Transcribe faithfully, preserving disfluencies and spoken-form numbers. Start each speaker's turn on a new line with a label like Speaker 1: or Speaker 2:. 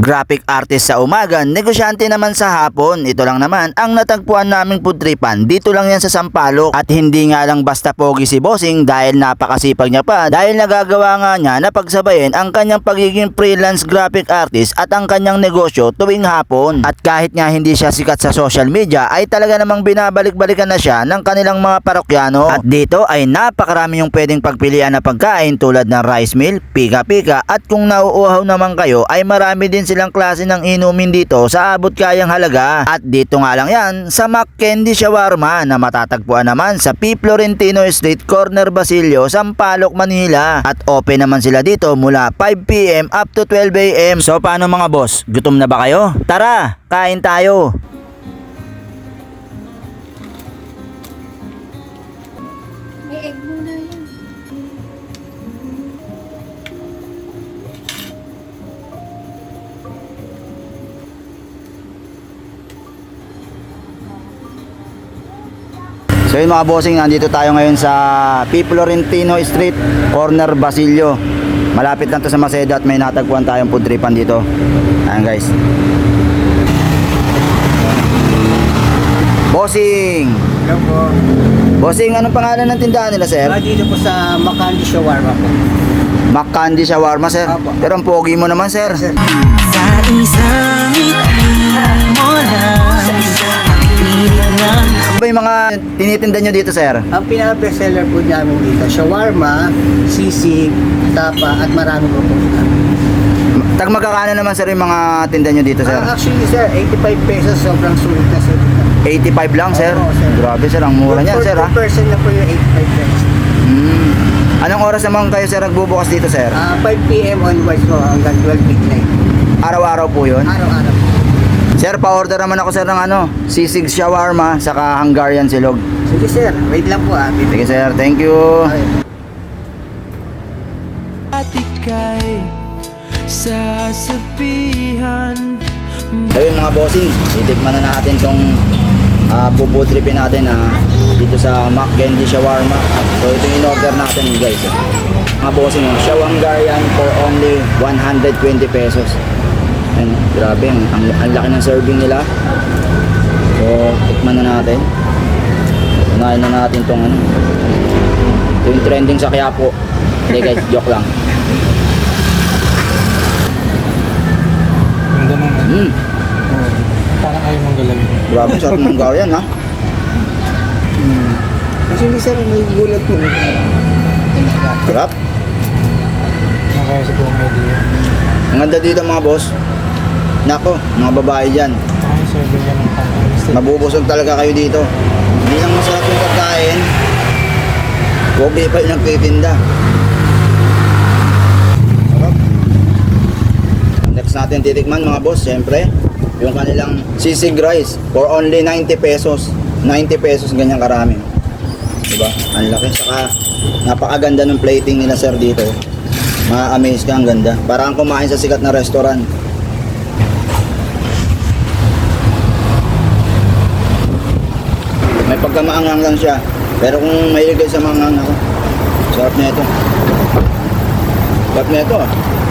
Speaker 1: graphic artist sa umaga, negosyante naman sa hapon. Ito lang naman ang natagpuan naming pudtripan. Dito lang yan sa Sampaloc. At hindi nga lang basta pogi si Bossing dahil napakasipag niya pa. Dahil nagagawa nga niya na pagsabayin ang kanyang pagiging freelance graphic artist at ang kanyang negosyo tuwing hapon. At kahit nga hindi siya sikat sa social media ay talaga namang binabalik-balikan na siya ng kanilang mga parokyano. At dito ay napakarami yung pwedeng pagpilian na pagkain tulad ng rice meal, pika-pika, at kung nauuhaw naman kayo ay marami din silang klase ng inumin dito sa abot kayang halaga. At dito nga lang yan sa McKendy Shawarma na matatagpuan naman sa P. Florentino Street, Corner Basilio, Sampaloc, Manila. At open naman sila dito mula five p m up to twelve a m So paano mga boss? Gutom na ba kayo? Tara, kain tayo!
Speaker 2: May egg muna yun.
Speaker 1: So yun mga bossing, nandito tayo ngayon sa P. Florentino Street, Corner Basilio. Malapit lang to sa Maceda at may natagpuan tayong pudtripan dito. Ayan guys. Bossing!
Speaker 3: Hello po.
Speaker 1: Bossing, anong pangalan ng tindahan nila, sir?
Speaker 3: Ah, dito po sa McKendy Shawarma po.
Speaker 1: McKendy Shawarma, sir.
Speaker 3: Apo.
Speaker 1: Pero ang pogi mo naman, sir.
Speaker 3: Sir.
Speaker 4: Sa isang ngiti mo lang, pilit lang.
Speaker 1: Ano ba yung mga tinitinda nyo dito, sir?
Speaker 3: Ang pinaka-bestseller po namin dito, shawarma, sisig, tapa, at marami po po.
Speaker 1: Tag magkakano naman, sir, yung mga tinda nyo dito, sir?
Speaker 3: Ah, actually, sir, eighty-five pesos, sobrang sulit na sir.
Speaker 1: eighty-five lang, sir.
Speaker 3: Oo, sir.
Speaker 1: Grabe, sir. Ang mura niyan, sir, ha?
Speaker 3: Per person na po yung eighty-five pesos.
Speaker 1: Hmm. Anong oras naman kayo, sir, nagbubukas dito, sir?
Speaker 3: Ah, five p m onwards po hanggang twelve midnight.
Speaker 1: Araw-araw po yun?
Speaker 3: Araw-araw po.
Speaker 1: Sir, pa-order naman ako, sir, ng ano, sisig shawarma, saka Hungarian silog.
Speaker 3: Sige sir, wait lang po ah.
Speaker 1: Sige, sir. Thank you.
Speaker 3: Okay.
Speaker 4: At ika'y sasabihan.
Speaker 1: So yun mga bossing, itikman na natin tong uh, pupudripin natin na dito sa McKendy Shawarma. So ito yung in-order natin, guys. Mga bossing, yung Shaw Hungarian for only one hundred twenty pesos. Ayan, grabe, ang, ang, ang laki ng serving nila. So, tikman na natin. Unahin na natin tong ano. Ito yung trending sa Quiapo. Hindi guys, joke lang.
Speaker 5: Ganda naman.
Speaker 1: Mm,
Speaker 5: Parang ayaw mong galawin.
Speaker 1: grabe, sarap ng Hungarian, ha?
Speaker 3: Actually sir, may gulat po.
Speaker 1: Sarap.
Speaker 5: Nakaya sa buong idea.
Speaker 1: Ang ganda dito mga boss. Nako, mga babae dyan.
Speaker 5: Ay, serving yan ng pang-alis.
Speaker 1: Mabubusog talaga kayo dito. Hindi lang masarap yung pagkain. Pogi pa yung nagtitinda. Sarap. Next natin titikman mga boss, syempre, yung kanilang sisig rice for only ninety pesos. ninety pesos, ganyan karami. Diba? Ang laki. Saka napakaganda ng plating nila sir dito. Ma-amaze ka, ang ganda. Parang kumain sa sikat na restaurant. May pagkamaangang lang siya. Pero kung mahilig kayo sa mga ako, sarap na ito. Sarap na ito ah.